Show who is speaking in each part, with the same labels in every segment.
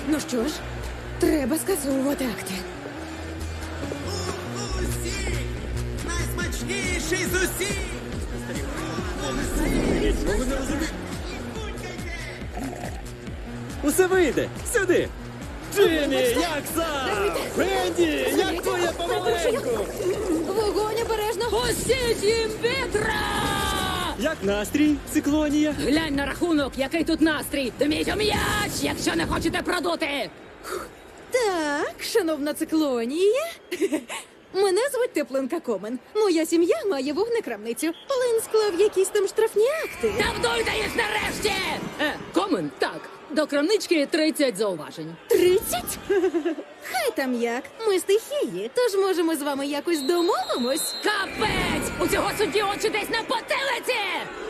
Speaker 1: Ну що ж, треба скасовувати акти.
Speaker 2: Усі! Найсмачніший з усіх!
Speaker 3: Усе вийде! Сюди! Джиммі, як сам? Фредді, як твоє помаленьку?
Speaker 1: Вогонь обережно!
Speaker 4: Пустіть їм вітра!
Speaker 3: Як настрій, циклонія?
Speaker 4: Глянь на рахунок, який тут настрій! Дміть у м'яч, якщо не хочете продути!
Speaker 1: Так, шановна циклонія. Мене звуть Теплинка Комен. Моя сім'я має вогнекрамницю. Плин склав якісь там штрафні акти.
Speaker 4: Та вдуйте їх нарешті! Комен, так. До крамнички 30 зауважень.
Speaker 1: 30? Хай там як. Ми стихії, тож можемо з вами якось домовимось.
Speaker 4: Капець! У цього судді очі десь на потилиці!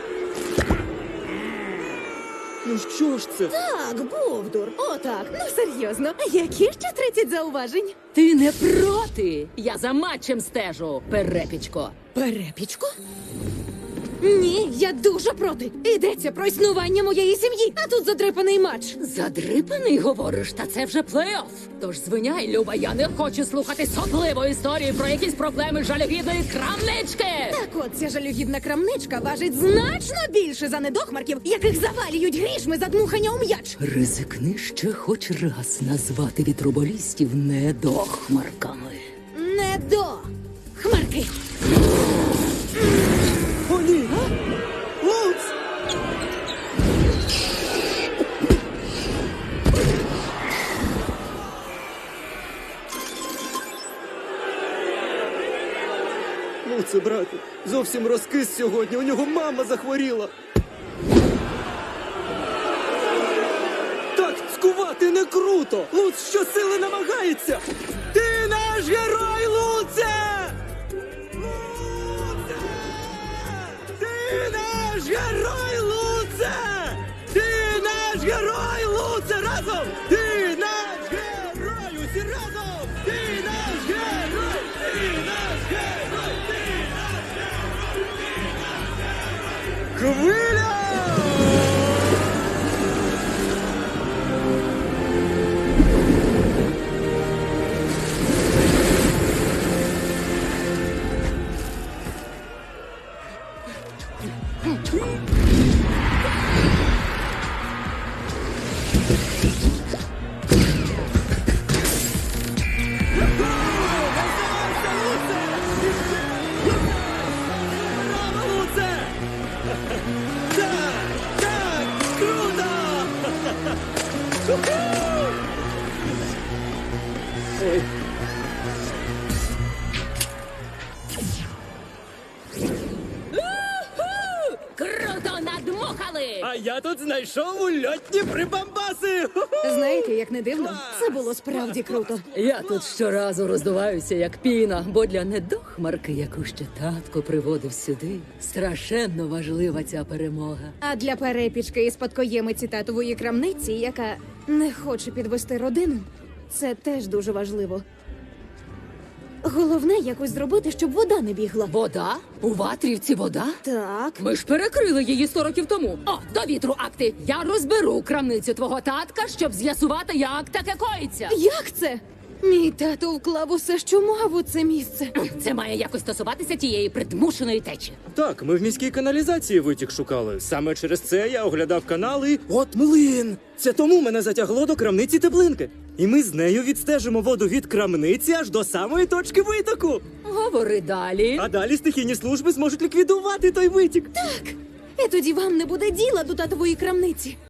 Speaker 3: Ну що ж це?
Speaker 1: Так, Бовдур. Отак. Ну серйозно. Які ще 30 зауважень?
Speaker 4: Ти не проти? Я за матчем стежу, перепічко.
Speaker 1: Перепічку? Ні, я дуже проти. Йдеться про існування моєї сім'ї, а тут задрипаний матч.
Speaker 4: Задрипаний, говориш, та це вже плей-офф. Тож звиняй, Люба, я не хочу слухати сопливу історію про якісь проблеми жалюгідної крамнички.
Speaker 1: Так от ця жалюгідна крамничка важить значно більше за недохмарків, яких завалюють грішми за дмухання у м'яч.
Speaker 4: Ризикни ще хоч раз назвати вітроболістів недохмарками.
Speaker 1: Не до хмарки.
Speaker 3: О, ні! Луц! Луце, брате, зовсім розкис сьогодні, у нього мама захворіла. Так цькувати не круто! Луц щосили намагається! Ти наш герой, Луце! Луце! Ти наш герой, Луце! Ти наш герой, Луце! Разом! Ти наш герой! Усі разом! Ти наш герой! Ти наш герой! Ти наш герой! Ти наш герой! Хвиля! Браво, Луце! Так, так, круто! Ой.
Speaker 4: Круто надмухали!
Speaker 3: А я тут знайшов ульотні прибамбаси!
Speaker 1: Знаєте, як не дивно, це було справді круто.
Speaker 4: Я тут щоразу роздуваюся, як піна, бо для недохмарки, яку ще татко приводив сюди, страшенно важлива ця перемога.
Speaker 1: А для перепічки і спадкоємиці татової крамниці, яка не хоче підвести родину, це теж дуже важливо. Головне якось зробити, щоб вода не бігла.
Speaker 4: Вода? У Ватрівці вода?
Speaker 1: Так.
Speaker 4: Ми ж перекрили її 100 років тому. О, до вітру акти! Я розберу крамницю твого татка, щоб з'ясувати, як таке коїться.
Speaker 1: Як це? Мій тато вклав усе, що мав у це місце.
Speaker 4: Це має якось стосуватися тієї придмушеної течі.
Speaker 3: Так, ми в міській каналізації витік шукали. Саме через це я оглядав канали. От млин! Це тому мене затягло до крамниці Теплинки. І ми з нею відстежимо воду від крамниці аж до самої точки витоку.
Speaker 4: Говори далі.
Speaker 3: А далі стихійні служби зможуть ліквідувати той витік.
Speaker 1: Так. І тоді вам не буде діла до татової крамниці.